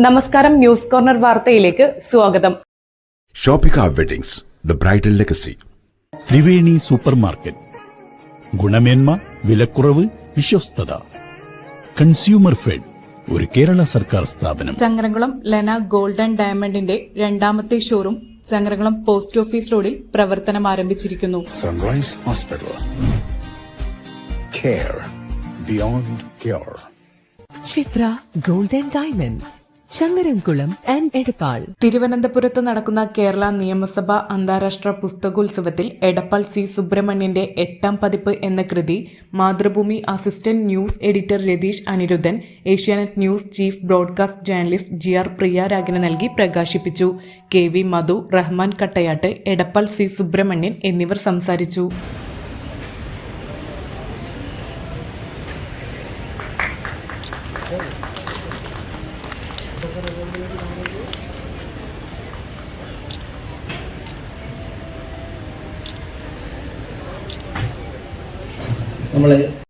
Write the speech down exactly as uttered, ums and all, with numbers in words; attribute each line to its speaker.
Speaker 1: നമസ്കാരം, news corner വാർത്തയിലേക്ക് സ്വാഗതം.
Speaker 2: Shoppika weddings, the bridal legacy.
Speaker 3: Triveni super market. ഗുണമേന്മ, വിലക്കുറവ്, വിശ്വസ്തത. കൺസ്യൂമർ ഫെഡ്, ഒരു കേരള സർക്കാർ സ്ഥാപനം.
Speaker 4: ചങ്ങരംകുളം ലെന ഗോൾഡ് ആൻഡ് ഡയമണ്ടിന്റെ രണ്ടാമത്തെ ഷോറൂം ചങ്ങരംകുളം പോസ്റ്റ് ഓഫീസ് റോഡിൽ പ്രവർത്തനം ആരംഭിച്ചിരിക്കുന്നു.
Speaker 5: Sunrise hospital, care beyond care.
Speaker 6: Chithra gold and diamonds, Changaramkulam and Edappal.
Speaker 4: തിരുവനന്തപുരത്ത് നടക്കുന്ന കേരള നിയമസഭ അന്താരാഷ്ട്ര പുസ്തകോത്സവത്തിൽ എടപ്പാൾ സി സുബ്രഹ്മണ്യന്റെ എട്ടാം പതിപ്പ് എന്ന കൃതി Mathrubhumi assistant news editor Ratheesh Aniruddhan, Asianet news chief broadcast journalist G R പ്രിയാരാഗിന് നൽകി പ്രകാശിപ്പിച്ചു. K V Madhu, Rahman Kattayatt, Edappal C Subrahmanian എന്നിവർ സംസാരിച്ചു.
Speaker 7: നമ്മൾ